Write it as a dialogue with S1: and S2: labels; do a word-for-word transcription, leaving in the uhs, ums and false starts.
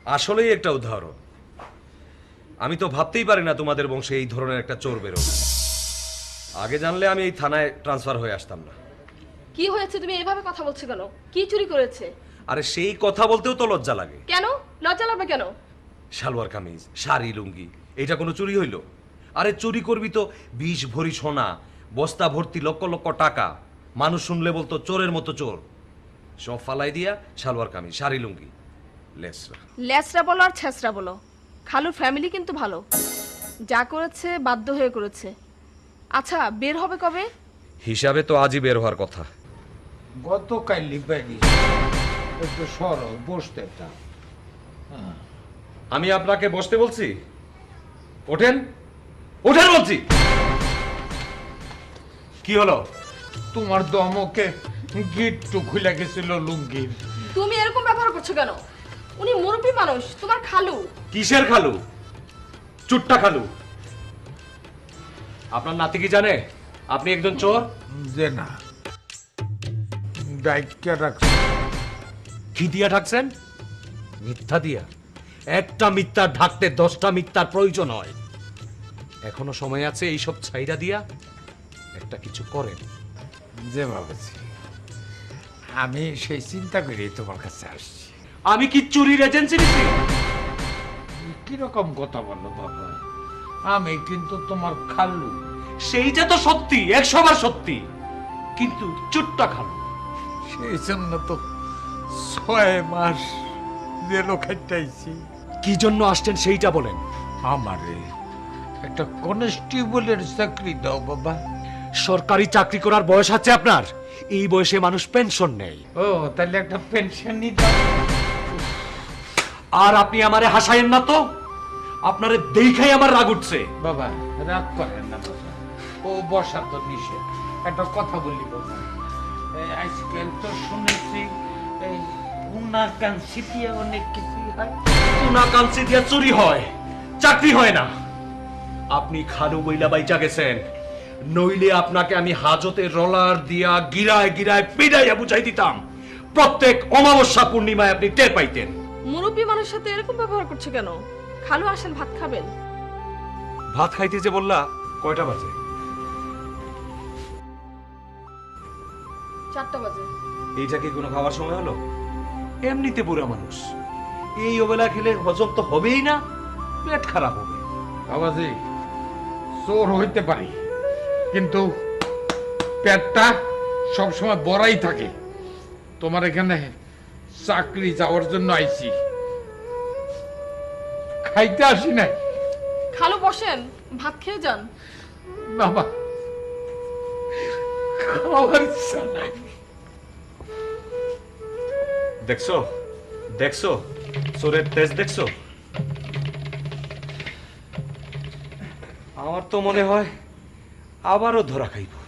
S1: আসলেই একটা উদাহরণ। আমি তো ভাবতেই পারি না তোমাদের বংশে এই ধরনের একটা চোর বেরোবে। আগে জানলে আমি এই থানায় ট্রান্সফার হয়ে আসতাম না।
S2: কি হয়েছে, তুমি এভাবে কথা বলছো কেন? কি চুরি করেছে?
S1: আরে সেই কথা বলতেও তো লজ্জা লাগে।
S2: কেন লজ্জা লাগবে কেন?
S1: সালোয়ার কামিজ, শাড়ি, লুঙ্গি, এটা কোনো চুরি হইল? আরে চুরি করবি তো বিশ ভরি সোনা, বস্তা ভর্তি লক্ষ লক্ষ টাকা। মানুষ শুনলে বলতো চোরের মতো চোর। সব ফালাই দিয়া সালোয়ার কামিজ, শাড়ি, লুঙ্গি, লেসরা।
S2: ল্যাসরা বলো আর ছেসরা বলো, খালুর ফ্যামিলি কিন্তু ভালো। যা করেছে বাধ্য হয়ে করেছে। আচ্ছা, বের হবে কবে?
S1: হিসাবে তো আজই বের হওয়ার কথা।
S3: গতকাল লিপাই একটু সর বসতে একটা।
S1: আমি আপনাকে বসতে বলছি? ওঠেন, ওঠেন বলছি। কি হলো?
S3: তোমার দমকে গিট্টু খুলে গেছিল লুঙ্গির।
S2: তুমি এরকম ব্যবহার করছো কেন? উনি মুরব্বী মানুষ, তোমার খালু।
S1: কিসের খালু? চুট্টা খালু। আপনার নাতি কি জানে আপনি একজন চোর?
S3: যে না, ডাইকা রাখছে।
S1: কি দিয়া ঢাকছেন? মিথ্যা দিয়া। একটা মিথ্যা ঢাকতে দশটা মিথ্যার প্রয়োজন হয়। এখনো সময় আছে এইসব ছাইরা দিয়া একটা কিছু করেন।
S3: যে ভাবছি আমি সেই চিন্তা করি তোমার কাছে আসছি।
S1: আমি কি চুরির এজেন্সি নিছি?
S3: কিরকম কথা বলো বাবা, আমি কিন্তু তোমার খালু।
S1: সেইটা তো সত্যি, একশো বার সত্যি, কিন্তু চুট্টা খালু।
S3: সেই জন্য তো ছয় মাস জেলও খাইতেছি।
S1: কি জন্য আসছেন সেইটা বলেন।
S3: আমারে একটা কনস্টেবলের চাকরি দাও বাবা।
S1: সরকারি চাকরি করার বয়স আছে আপনার? এই বয়সে মানুষ পেনশন নেই।
S3: ও তাহলে একটা পেনশন নিতে।
S1: আর আপনি আমারে হাসায়েন না তো, আপনারে দেখাই আমার রাগ উঠছে।
S3: বাবা রাগ করেন না বাবা, ও বসা তো নিষেধ। একটা কথা বলি বাবা, এই আজকাল তো শুনেছি এই উনা কাঞ্চি দিয়ে অনেক কিছু হয়।
S1: সোনা কাঞ্চি দিয়া চুরি হয়, চাকরি হয় না। আপনি খালু বইলা বাইচা গেছেন, নইলে আপনাকে আমি হাজতে রলার দিয়া গিরায় গিরায় পিড়াইয়া বুঝাই দিতাম। প্রত্যেক অমাবস্যা পূর্ণিমায় আপনি টের পাইতেন।
S2: মুরব্বী মানুষের সাথে এরকম ব্যবহার করছো কেন? খালু আসেন, ভাত খাবেন।
S1: ভাত খাইতে যে বললা, কয়টা বাজে?
S2: চারটা বাজে।
S1: এইটা কি কোনো খাওয়ার সময় হলো? এমনিতে বুড়া মানুষ, এই ওবেলা খেলে হজম তো হবেই না, পেট খারাপ হবে।
S3: বাবাজি চোর হইতে পারি, কিন্তু পেটটা সবসময় বড়াই থাকে। তোমার এখানে চাকরি যাওয়ার জন্য আইছি, খাইতে আসি নাই।
S2: খালু বসেন, ভাত খেয়ে যান।
S3: বাবা খাওয়ার ইচ্ছা নাই।
S1: দেখছো দেখছো চোরের তেজ দেখছো? আমার তো মনে হয় আবারও ধরা খাইব।